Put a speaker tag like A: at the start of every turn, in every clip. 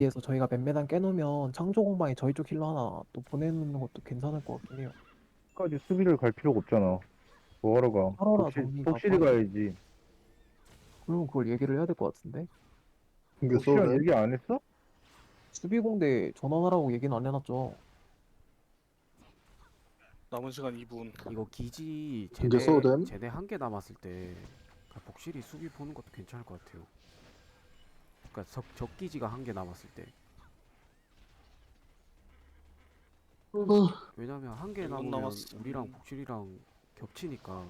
A: 에서 저희가 몇몇안 깨놓으면 창조 공방에 저희 쪽 힐러 하나 또 보내놓는 것도 괜찮을 것 같긴 해요.
B: 까지 수비를 갈 필요가 없잖아. 뭐하러 가?
A: 하러나 정리가
B: 독실히 가야지.
A: 그러면 그걸 얘기를 해야 될 것 같은데.
C: 이게
B: 독실이랑
C: 쏘네.
B: 얘기 안 했어?
A: 수비공대 전원하라고 얘기는 안 해놨죠.
D: 남은 시간 2분.
E: 이거 기지
C: 이제 쏘댐.
E: 제대 한 개 남았을 때 복실이 수비 보는 것도 괜찮을 것 같아요. 그러니까 적 기지가 한 개 남았을 때. 왜냐면 한 개
D: 1분
E: 남으면
D: 남았어.
E: 우리랑 복실이랑 겹치니까.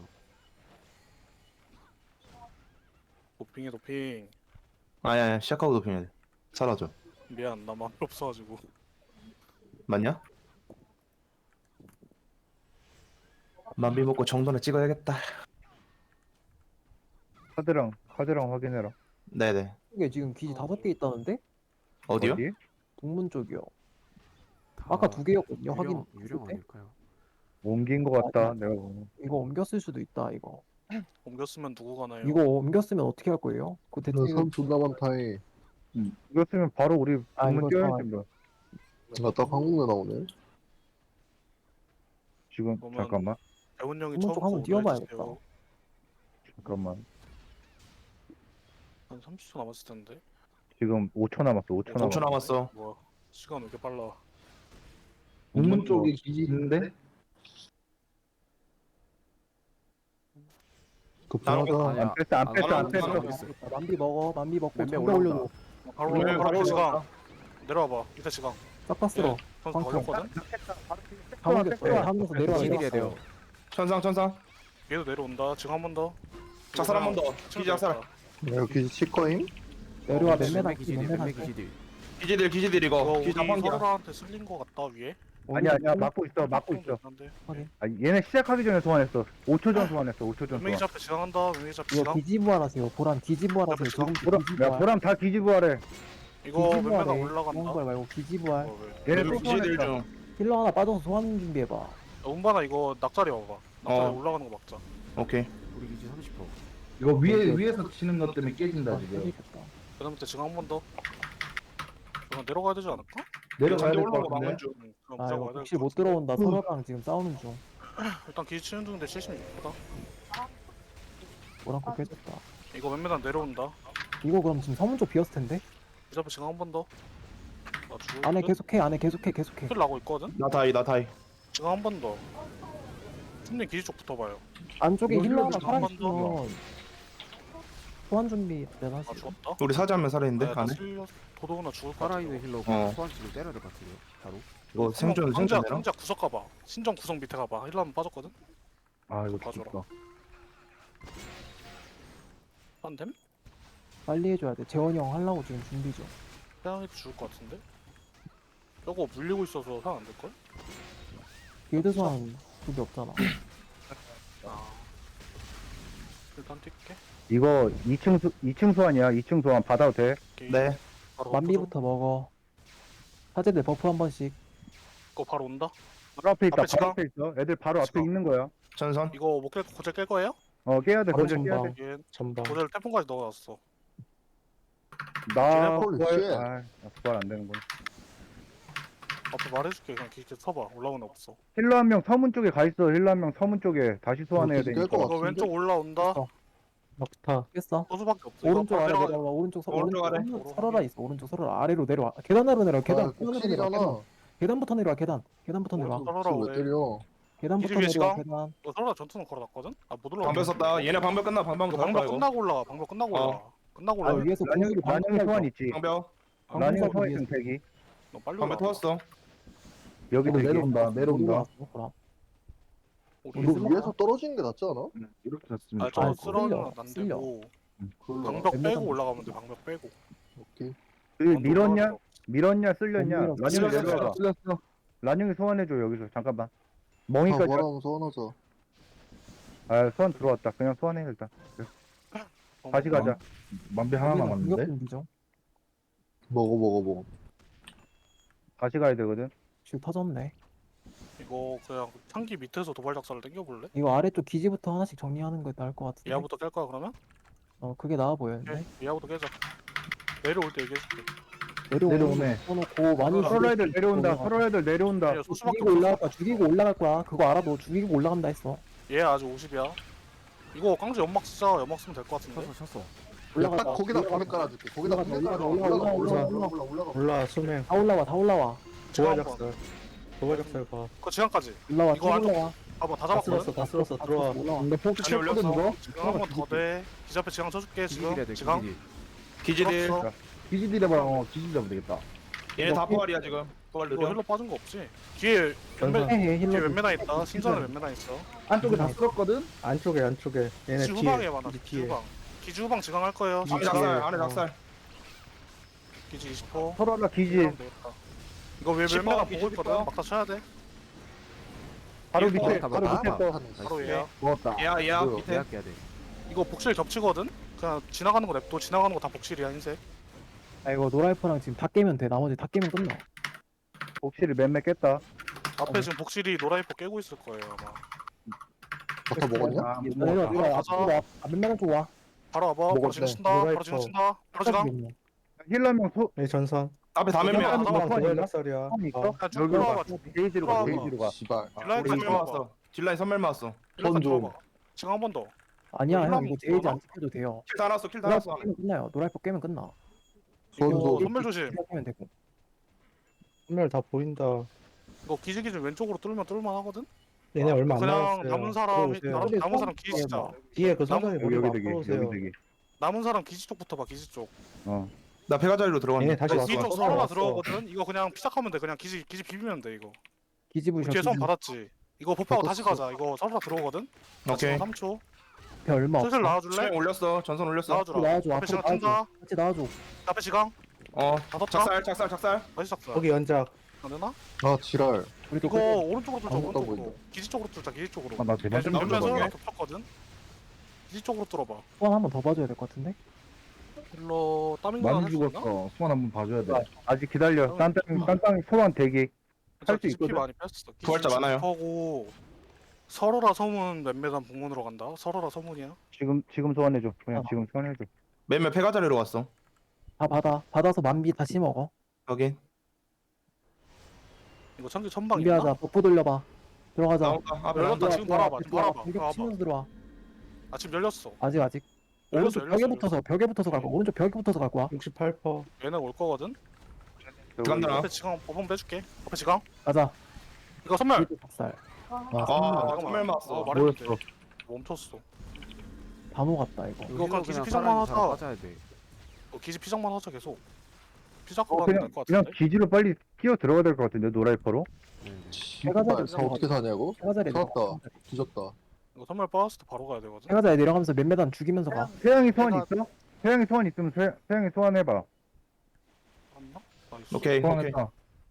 D: 도핑해 도핑.
F: 아니야, 시작하고 도핑해야 돼. 사라져.
D: 미안 나 마음이 없어가지고.
F: 맞냐? 만비 먹고 정돈에 찍어야겠다.
B: 카드랑 확인해라.
F: 네네.
A: 이게 지금 기지 5개 있다는데?
F: 어디요?
B: 어디?
A: 동문 쪽이요.
E: 다
A: 아까 2개였거든요. 확인.
E: 유령
A: 때?
E: 아닐까요?
B: 옮긴 것 같다. 내가 보면.
A: 이거 옮겼을 수도 있다. 이거.
D: 옮겼으면 누구 가나요?
A: 이거 옮겼으면 어떻게 할 거예요? 그 대충
C: 선 존나 많다해.
B: 이거 쓰면 바로 우리
A: 아,
B: 동문
A: 이거
B: 뛰어야지 뭐.
C: 나딱 한국내 나오네.
B: 지금
D: 그러면-
B: 잠깐만.
D: 대훈 형이
A: 동문 쪽
D: 처음부터
A: 한번 뛰어봐야겠다.
D: 올려주세요.
B: 잠깐만.
D: 한 30초 남았을 텐데.
B: 지금 5초 남았어. 5초
F: 5초
B: 남았어.
F: 남았어.
D: 뭐야? 시간 왜 이렇게 빨라?
B: 동문 쪽에 기지 있는데?
C: 급하다.
E: 아니야.
B: 안 뺐어. 안 뺐어. 안
F: 안
B: 뺐어.
F: 뺐어.
A: 만비 먹어. 만비 먹고
E: 맴매
A: 장배
E: 올라온다.
A: 올려도
D: 바로
A: 네,
D: 바로
A: 바로
D: 지강. 내려와봐. 밑에 지강.
A: 싹 다 쓸어.
D: 선수 걸렸거든.
A: 다 옮겼어. 하면서 내려와.
E: 기질해야 돼요.
F: 천상.
D: 얘도 내려온다. 지금 한 번 더.
F: 작살 한 번 더. 기지 작살.
C: 내가 기지 치과임?
A: 내려와.
E: 맴매
A: 몇몇안
E: 기지들, 맴매
A: 몇몇안
E: 기지들.
F: 기지들
D: 이거
F: 이거.
D: 우리
F: 기지 한방이야.
D: 서로한테 쓸린 거 같다 위에.
B: 아니야. 막고 있어. 막고 있어.
D: 한데.
B: 아, 얘네 시작하기 전에 소환했어. 5초 전 소환했어. 5초 전
D: 맹이
B: 소환.
D: 잡혀 지강한다. 맹이 잡혀
A: 이거
D: 지강.
A: 기지부활하세요. 보람 기지부활하세요. 지금
B: 야, 보람 다 기지부하래.
D: 이거 맴매가
A: 기지부활해. 그런
D: 올라간다.
A: 걸 말고 기지부활.
D: 왜?
B: 얘네 또
F: 기지들
B: 소환했다.
F: 중.
A: 힐러 하나 빠져서 소환 준비해봐.
D: 야, 운반아 이거 낙자리 와봐. 낙자리
F: 어.
D: 올라가는 거 막자.
F: 오케이.
E: 우리 기지 30%.
G: 이거 위에서 치는 것 때문에 깨진다 지금.
A: 깨지겠다.
D: 그다음부터 지금 한 번 더. 그냥 내려가야 되지 않을까?
G: 내려가야 될 것
F: 올라오고
G: 같은데.
F: 막은 중.
D: 그럼
A: 아
D: 무조건
A: 이거
D: 가야
A: 혹시
D: 될것
A: 못
D: 같은데.
A: 들어온다. 서로랑 지금 싸우는 중.
D: 일단 기지 치는 중인데 76%다.
A: 뭐랑 거 깨졌다.
D: 이거 몇몇안 내려온다.
A: 이거 그럼 지금 서문 쪽 비었을 텐데.
D: 이 잡혀 지금 한 번 더. 나 죽을
A: 안에
D: 듯?
A: 계속해. 안에 계속해.
D: 킬 나고 있거든.
F: 나 다이.
D: 지금 한 번 더. 숨님 기지 쪽 붙어봐요.
A: 안쪽에
D: 이거
A: 힐러 하나
D: 힐러 한번
A: 살아있으면 소환 준비
D: 아
A: 대단하시고.
D: 죽었다.
F: 우리 사자 한명 살아있는데
D: 나
F: 안에.
D: 쓸려 도도구나 죽을 것 같아.
E: 살아있는 힐러
F: 어.
E: 소환치를 때려야 될 것 같은데요. 바로.
F: 이거 생존
D: 상자
F: 생존해라.
D: 상자 구석 가봐. 신정 구석 밑에 가봐. 힐러 한번 빠졌거든.
B: 아, 이거
D: 가져라.
B: 죽었다.
D: 한템?
A: 빨리 해줘야 돼. 재원이 형 하려고 지금 준비 중.
D: 태양이도 죽을 것 같은데. 저거 물리고 있어서 상 안 될걸?
A: 길드 소환 그게 없잖아.
D: 아. 일단 뛸게.
B: 이거 2층 소환이야. 2층 소환 받아도 돼.
D: 게이지.
F: 네.
D: 바로
A: 만비부터 먹어. 사제들 버프 한 번씩.
D: 이거 바로 온다.
B: 바로 앞에 있다.
D: 앞에
B: 바로 앞에 있어. 애들 바로 앞에
D: 지금.
B: 있는 거야.
F: 천선.
D: 이거 못 깰, 고젤 깰 거예요?
B: 깨야 돼.
A: 바로
B: 거절 깨야
A: 전방.
B: 돼.
D: 이게
A: 전방.
D: 고젤 태풍까지 넣어놨어.
B: 나
C: 홀리
B: 부활,
C: 쉣.
B: 나 부활 안 되는구나.
D: 앞에 말해줄게. 그냥 기계 서봐. 올라오는 애 없어.
B: 힐러 한 명 서문 쪽에 가 있어. 힐러 한 명 서문 쪽에 다시 소환해야
C: 이거 깰
B: 되니까.
C: 것
D: 이거
C: 같은데?
D: 왼쪽 올라온다.
A: 어. 막타. 깼어.
D: 소수밖에 없어.
A: 오른쪽
D: 이거
A: 아래
D: 내려가-
A: 내려와. 오른쪽
F: 오른쪽 아래.
A: 서러라 있어. 오른쪽 서러라 아래로 내려와. 계단으로 내려와. 계단.
C: 아,
A: 계단으로 내려와.
C: 복실이잖아.
A: 계단. 계단부터 내려와. 계단. 계단부터 내려와.
D: 오른쪽
C: 복실
D: 서로라
C: 왜
D: 왜?
C: 때려?
A: 계단부터
D: 기지 위에
A: 내려와.
D: 시간?
A: 계단.
D: 너 서로라 전투는 걸어놨거든? 아 못 올라가.
F: 방벽 썼다. 얘네 방벽 끝나. 방벽
D: 이거
F: 더
D: 방벽
F: 이거.
D: 끝나고 올라가. 방벽 끝나고
F: 어.
D: 올라가. 끝나고
A: 아
D: 올라가.
A: 위에서 공유로
B: 란형 소환 있지.
F: 방벽.
B: 란형
A: 방금
B: 소환
A: 위에서
B: 있으면 대기.
D: 너 빨리
F: 방벽
D: 올라가.
F: 터졌어.
B: 여기도 대기.
C: 내려온다.
D: 우리
C: 이거 위에서 떨어지는 게 낫지 않아?
G: 이렇게 잤으면
D: 아, 저
A: 아,
D: 쓰러는
A: 쓸려,
D: 안
A: 쓸려.
D: 되고
C: 그걸로.
D: 방벽
A: 웬만하면
D: 빼고 올라가면 돼. 방벽 빼고.
C: 오케이.
B: 밀었냐? 밀었냐? 쓸렸냐?
A: 밀었어.
B: 란형이
A: 쓸렸어.
B: 내려와봐.
G: 쓸렸어.
B: 란형이 소환해줘 여기서. 잠깐만.
C: 아,
B: 멍이까지.
C: 뭐라면 소환하자.
B: 소환 들어왔다. 그냥 소환해 일단. 다시 가자.
G: 만비 하나
A: 공격
G: 남았는데.
A: 준비죠.
C: 먹어.
B: 다시 가야 되거든.
A: 지금 터졌네.
D: 이거 그냥 창기 밑에서 도발 작살을 당겨볼래?
A: 이거 아래쪽 기지부터 하나씩 정리하는 게 나을 것 같은데.
D: 이하부터 깰 거야 그러면?
A: 그게 나아 보였는데.
D: 오케이. 이하부터 깨자. 내려올 때 얘기해줄게.
G: 내려오네.
A: 놓고 많이
B: 서로 애들 내려온다.
A: 죽이고
B: 서로 애들 내려온다.
D: 얘 소수밖에
A: 죽이고 올라갈
D: 없어.
A: 거야. 죽이고 올라갈 거야. 그거 알아. 너 죽이고 올라간다 했어.
D: 얘 아직 50이야. 이거 깡주 연막 쓰자. 연막 쓰면 될 것 같은데.
E: 쳤어.
A: 올라가자.
C: 딱 거기다
A: 올라가자.
C: 밤에 깔아줄게. 거기다 밤에 깔아. 올라가.
H: 올라 수명
A: 다 올라와. 다 올라와.
D: 지금 한번.
H: 도발작살 도발작살 봐.
D: 그 지금까지.
A: 올라와.
D: 이거
A: 쭉
D: 완전-
A: 올라와.
D: 봐봐 다
H: 다
D: 잡았거든.
H: 쓸었어 다 쓸었어 들어와.
A: 올라와.
B: 근데 폭주
F: 아니,
B: 쳤거든 이거.
D: 지금 한번 더 돼. 기지 앞에 지강 쳐줄게.
E: 기지딜 해야 돼.
D: 지금 지강.
E: 기지딜.
F: 기지딜.
D: 풀었어.
B: 기지딜 해봐. 기지딜 하면 되겠다.
F: 얘네 다 포괄이야 지금. 포괄
D: 이거
F: 느려.
D: 힐러 빠진 거 없지? 뒤에
H: 전선.
A: 해
D: 뒤에
A: 힐러.
D: 몇 메다 있다. 신선에 몇 메다 있어.
B: 안쪽에 다 쓸었거든.
H: 안쪽에 얘네
D: 기지 후방에
H: 뒤에
D: 많아.
H: 기지
D: 기지
H: 뒤에.
D: 후방. 기지 후방 지강 할 거예요.
F: 안에 작살 안에 작살.
D: 기지 20호.
B: 서로 하나 기지.
D: 이거 왜
F: 10번,
D: 몇메가
F: 기지
D: 보고 있거든.
F: 10번.
D: 막다 쳐야 돼.
B: 바로
D: 일번.
B: 밑에.
E: 다
B: 바로
E: 먹었다.
B: 밑에 거.
D: 바로 얘야.
B: 먹었다.
F: 얘야
C: 뭐야?
F: 밑에.
E: 계약해야 돼.
D: 이거 복실 겹치거든. 그냥 지나가는 거 냅둬. 지나가는 거 다 복실이야 흰색.
A: 아 이거 노라이프랑 지금 다 깨면 돼. 나머지 다 깨면 끝나.
B: 복실을 맴매 깼다.
D: 앞에 지금 복실이 노라이퍼 깨고 있을 거예요 아마.
C: 다 먹었냐?
B: 아, 못
A: 내려
B: 먹었다.
A: 내려
D: 가자.
A: 앞으로 와. 맨날 쪽 와.
D: 바로 와봐. 바로
C: 먹었네.
D: 지금 친다. 바로
H: 노라이퍼.
D: 지금 친다. 바로 지금.
B: 힐러명 소.
H: 이 전선.
F: 앞에 다
D: 야,
F: 몇명.
D: 야,
H: 도발작살이야.
B: 있어?
D: 그냥 쭉
B: 여기
D: 들어와봐.
B: 봐. 게이지로 가.
D: 들어와봐.
B: 게이지로 가.
C: 씨발.
D: 딜라인
F: 우리
D: 좀
F: 선멸
D: 들어와봐.
F: 맞았어. 딜라인 선멸 맞았어.
D: 딜라인
C: 좀.
D: 들어와봐. 지금 한 번 더.
A: 아니야 형
D: 올라오면
A: 이거 제이지
D: 올라가?
A: 안 찍혀도 돼요.
F: 킬다 났어. 킬다
A: 노라이프
F: 났어.
A: 깨면 끝나요. 노라이프 깨면 끝나.
D: 이거
C: 손도.
D: 선멸 조심.
A: 깨면 되고.
H: 선멸 다 보인다.
D: 이거 기지기지 왼쪽으로 뚫으면 뚫을만 하거든.
H: 얘네 얼마 안
D: 그냥
H: 남았어요.
D: 남은 사람이
H: 들어오세요.
D: 남은 사람 기지 진짜.
H: 뒤에 그 선선이
B: 여기
H: 머리
B: 여기
H: 막
B: 되기. 여기
H: 풀어오세요.
B: 되기.
D: 남은 사람 기지 쪽부터 봐. 기지 쪽.
F: 나 배가자리로 들어갔네.
H: 얘네 다시
D: 기지
H: 왔어.
D: 쪽
H: 서로
D: 서로가
H: 왔어.
D: 들어오거든. 이거 그냥 피작하면 돼. 그냥 기지 비비면 돼 이거.
A: 기지부셔.
D: 뒤에 선
A: 기지부셔.
D: 받았지. 이거 버프하고 다시 가자. 이거 서로가 들어오거든.
F: 오케이.
D: 3초.
A: 배 얼마 없어.
D: 슬슬 나와줄래?
F: 수명 올렸어. 전선 올렸어.
D: 나와주라.
A: 나와줘.
D: 앞에
A: 앞으로
D: 시간
A: 나와줘.
D: 뜬다.
A: 같이 나와줘.
D: 앞에 시간.
F: 어.
D: 다섯 장.
F: 작살.
D: 다시 작살.
H: 거기 연작.
D: 안 되나?
C: 아 지랄.
A: 우리도
D: 이거
A: 끝.
D: 오른쪽으로 뚫자.
C: 아무것도 안
D: 오른쪽으로.
C: 보인다.
D: 기지 쪽으로 뚫자. 기지 쪽으로.
B: 아, 나 제발 좀
F: 몇
D: 몇몇
F: 번
D: 서로가
F: 더
D: 겹쳤거든. 기지 쪽으로 뚫어봐.
A: 소환 한번 더 봐줘야 될 것 같은데.
D: 힐러 따밍가
B: 많이
D: 할수 있나?
B: 죽었어. 수만 한번 봐줘야 돼. 아직 기다려. 딴땅 소환 대기. 할수
D: GP
B: 있거든.
D: 많이 뺐어.
F: 부활자 많아요.
D: 하고 서로라 서문 몇몇한 북문으로 간다. 서로라 서문이야.
B: 지금 소환해줘. 그냥 지금 소환해줘.
F: 몇몇 배가자리로 갔어.
A: 다 받아. 받아서 만비 다시 먹어.
F: 여기.
D: 이거 천기 천방
A: 준비하자.
D: 있나?
A: 버프 돌려봐. 들어가자.
F: 나온다. 앞에
D: 열렸다.
F: 나온다.
D: 지금 바로 와봐. 지금 바로 와봐.
A: 공격
D: 와봐.
A: 치면서 들어와.
D: 아 지금 열렸어.
A: 아직.
D: 열렸어.
A: 오른쪽 벽에 붙어서 갈 거야. 오른쪽 벽에 붙어서 갈 거야.
H: 68%.
D: 얘네 올 거거든.
F: 간다.
D: 앞에 지강 법원 빼줄게. 앞에 지강.
A: 가자.
D: 이거 선멸.
A: 기지 박살.
F: 아,
D: 잠깐만.
F: 선멸 맞았어.
D: 말해도
B: 뭐였어?
D: 돼. 멈췄어.
A: 다 녹았다 이거.
D: 이거 그냥 기지
E: 그냥
D: 피장만
E: 살아있는 사람
D: 하자.
E: 빠져야 돼.
D: 기지 피장만 하자 계속. 피자고 가면
B: 그냥
D: 될것
B: 그냥
D: 같은데.
B: 기지로 빨리 뛰어 들어가야 될 것 같은데 노라이퍼로.
E: 네.
C: 씨발. 다 어떻게 사냐고?
A: 세가자리
C: 살았다. 뒤졌다.
D: 이거 선멸 빠졌을 때 바로 가야 되거든.
A: 세가자리 내려가면서 몇 메단 죽이면서 가.
B: 태양이 소환
D: 내가-
B: 있어? 태양이 소환 있으면 태양이 소환해봐.
D: 맞나? 나이스.
F: 오케이.
B: 소환했다.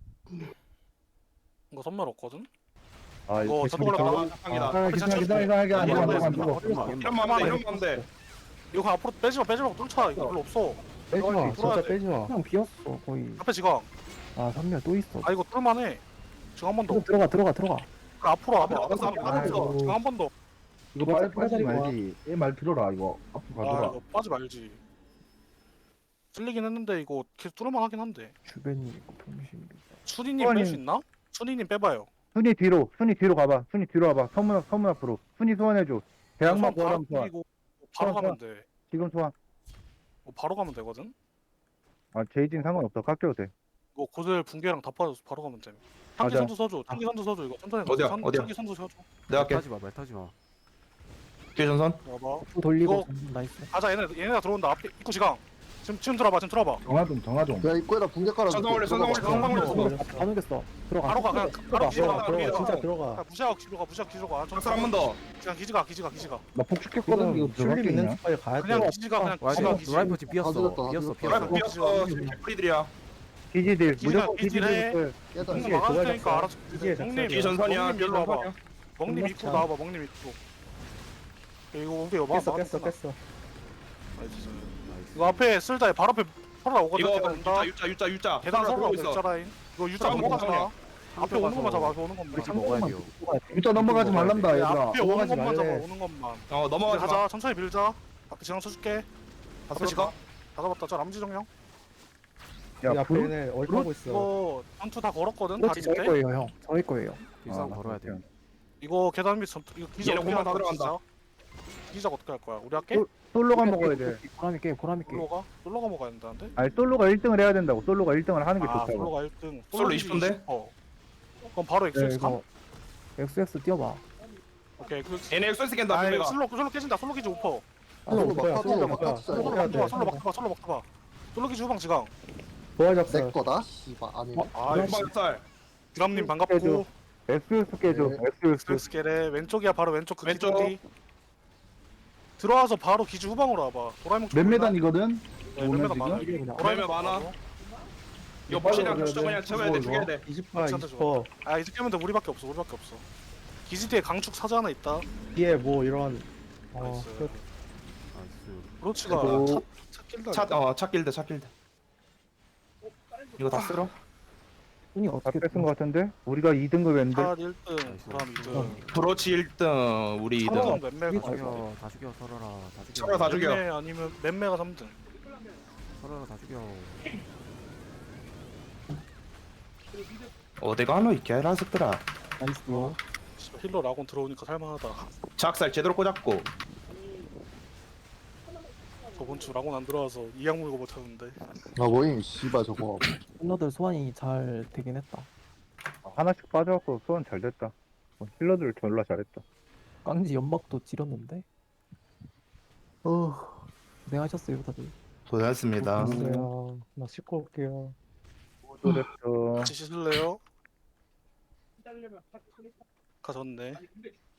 D: 이거 선멸 없거든.
B: 아
D: 이거 저도
B: 기다려.
D: 올라가.
F: 상이다.
B: 아, 기다려. 안 죽어. 안 죽어.
F: 이런 마음 돼. 이런 마음 돼.
D: 이거 그냥 앞으로 빼지 마. 뚫자. 이거 별로 없어.
H: 빼지 마.
D: 뚫어야
H: 진짜
D: 돼.
H: 빼지 마.
A: 그냥 비었어 거의.
D: 앞에 지강.
A: 아 선멸 또 있어.
D: 아 이거 뚫만해. 지금 한 번 더.
A: 이거 들어가.
D: 그 앞으로 와봐.
F: 알았어,
B: 알았어.
D: 지금 한 번 더.
B: 이거 빨리 빠지지 말지. 얘 말 들어라 이거. 앞으로
D: 아
B: 가더라.
D: 이거 빠지 말지. 찔리긴 했는데 이거 계속 뚫을만 하긴 한데.
A: 주변이 있고 병신.
D: 순이님 뺄 수 있나? 순이님 빼봐요.
B: 순이 뒤로 가봐. 순이 뒤로 와봐. 서문 앞으로. 순이 소환해줘. 대학만
D: 바로
B: 보람 소환.
D: 뚫리고 바로
B: 소환,
D: 가면 돼.
B: 지금 소환.
D: 바로 가면 되거든.
B: 아 제이진 상관없어. 깎여도 돼.
D: 이거 고들 붕괴랑 다 빠져서 바로 가면 돼. 향기
B: 맞아.
D: 선수 써줘. 향기 선수 써줘. 이거 천천히
F: 어디야?
D: 가자.
F: 어디야?
D: 향기 선수 써줘.
F: 내가 할게.
E: 타지 마. 말 타지 마.
F: 뒤에 전선.
D: 와봐.
A: 버프 돌리고.
D: 이거-
A: 나이스.
D: 가자. 얘네가 들어온다. 앞에 입구 지강. 지금 들어봐.
B: 정하동.
C: 야 입구에다 붕대 깔아줄게.
F: 전선 올려, 전선 올려,
C: 들어가.
F: 전선 올려.
A: 다 녹였어. 들어가.
D: 바로 가. 그냥 바로 기지로 가.
H: 들어가. 진짜
D: 가.
H: 들어가.
D: 무시하고 기지로 가. 무시하고 기지로 가.
F: 작살 한 번 더.
D: 그냥 기지가.
B: 나 폭죽했거든. 이거
H: 출리 있는
B: 들어갔겠냐?
H: 스파이 가야
D: 그냥
H: 돼.
D: 기지가 그냥
E: 와,
D: 기지가
E: 이거
D: 기지.
E: 노라이퍼 집 비었어.
C: 가져갔다,
E: 비었어.
C: 가져갔다.
E: 비었어.
F: 비었어. 프리들이야.
B: 기지들.
D: 기지가
B: 무조건
D: 기지래.
B: 기지들.
C: 깨다.
D: 형님
H: 기지에
D: 막아줄
H: 도발
D: 테니까
H: 작살.
D: 알아서.
H: 기지에
D: 형님
H: 작살.
F: 뒤에 전선이야.
D: 형님
F: 뒤에
D: 일로 와봐.
F: 전선이야.
D: 먹님
H: 끝났다.
D: 입구로 나와봐. 먹님 입구. 이거 우리 여봐.
H: 깼어 깼어.
D: 이거 앞에 쓸다. 바로 앞에 서로 오거든.
F: 이거
D: 계단 온다.
F: 유자.
D: 계단 서로
F: 보고
D: 오고
F: 있어.
D: 있어 라인. 이거 유자
F: 싸움
D: 넘어가지 마.
F: 싸움이야.
D: 앞에 오는 것만 잡아. 앞에 오는 것만.
E: 우리 집 먹어야 돼요.
B: 일단 넘어가지 말란다 얘들아.
D: 앞에 오는
H: 넘어가지
D: 것만 잡아.
H: 말래.
D: 오는 것만.
F: 어 넘어가지 마.
D: 가자. 천천히 밀자. 앞에 지강 쳐줄게. 앞에
F: 봤어?
D: 지강. 다 잡았다. 저 람지 정령.
B: 야,
H: 이 앞에
B: 브루-
H: 얘네 얼타고 있어.
D: 이거 전투 다 걸었거든 다리
A: 그렇지 저희
D: 밑에.
A: 거예요 형. 저희 거예요.
E: 일상 걸어야 돼요.
D: 이거 계단 밑 전투 이거 기자
F: 얘네
D: 어떻게
F: 공만
D: 할
F: 다
D: 거야?
F: 들어간다.
D: 기자 어떻게 할 거야? 우리 할게.
B: 솔로가 먹어야 돼.
A: 보람이 깨 보람이 깨.
D: 솔로가 먹어야 된다는데?
B: 아니 솔로가 1등을 해야 된다고. 솔로가 1등을 하는 게
D: 아
B: 좋다고.
D: 솔로가 1등.
F: 솔로 20%인데?
D: 그럼 바로
A: 네,
D: XX 감?
A: 이거 XX 뛰어봐.
D: 오케이 그
F: 얘네 엑소스 깬다
D: 아
F: 내가.
D: 솔로 깨진다. 솔로 기지 오퍼.
H: 솔로
C: 솔로
H: 오퍼야,
C: 막
H: 솔로
C: 솔로 막
H: 오퍼야.
C: 탑사
D: 솔로
C: 이거.
H: 해야
D: 막타봐.
H: 돼.
D: 솔로 막타봐. 솔로 막타봐. 솔로 기지 후방 지강.
H: 부활
C: 내
H: 잡살.
C: 거다. 씨발 아니네.
D: 아
F: 한방살.
D: 드람님
B: 깨줘.
D: 반갑고.
B: XX 깨줘.
C: 네.
B: XX.
D: 스케레 왼쪽이야 바로 왼쪽 그
F: 왼쪽.
D: 기둥 뒤. 들어와서 바로 기지 후방으로 와봐. 도라에몽
G: 몇 메단이거든?
D: 네, 몇 메단
G: 오늘
D: 많아.
A: 이게 그냥
F: 그러면 많아. 이거 부시랑 부시도 그냥 채워야 돼. 죽여야 돼.
H: 20%,
D: 괜찮다,
H: 20%.
D: 아 이제 깨면 돼. 우리밖에 없어. 우리밖에 없어. 기지 뒤에 강축 사자 하나 있다.
H: 뒤에 뭐 이런
D: 나이스.
E: 나이스.
D: 브로치가
B: 그리고
D: 차 길다.
F: 차 길드 차 길드. 이거 다 쓸어?
A: 손이
B: 다
A: 어떻게
B: 뺏은 거 같은데? 우리가 2등급 했는데.
D: 차 1등, 그다음 2등.
F: 브로치 1등, 우리 2등.
D: 차량 맴매가
E: 다 죽여, 다 죽여, 설어라, 다 죽여.
F: 설어라, 다 죽여.
D: 맴매 아니면 맴매가 3등.
E: 설어라, 다 죽여.
F: 어디 가노 이 개라스들아.
A: 나이스.
D: 씨발, 힐러 라곤 들어오니까 살만하다.
F: 작살 제대로 꽂았고.
D: 저번 주 라곤 안 들어와서 이악 물고 못하는데.
C: 아 뭐임 씨발 저거.
A: 힐러들 소환이 잘 되긴 했다.
B: 하나씩 빠져갖고 소원 잘 됐다. 힐러들 졸라 잘했다.
A: 깡지 연막도 지렸는데. 고생하셨어요 다들.
F: 고생했습니다.
H: 있어요. 나 씻고 올게요.
B: 또 됐어.
D: 같이 씻을래요? 가졌네.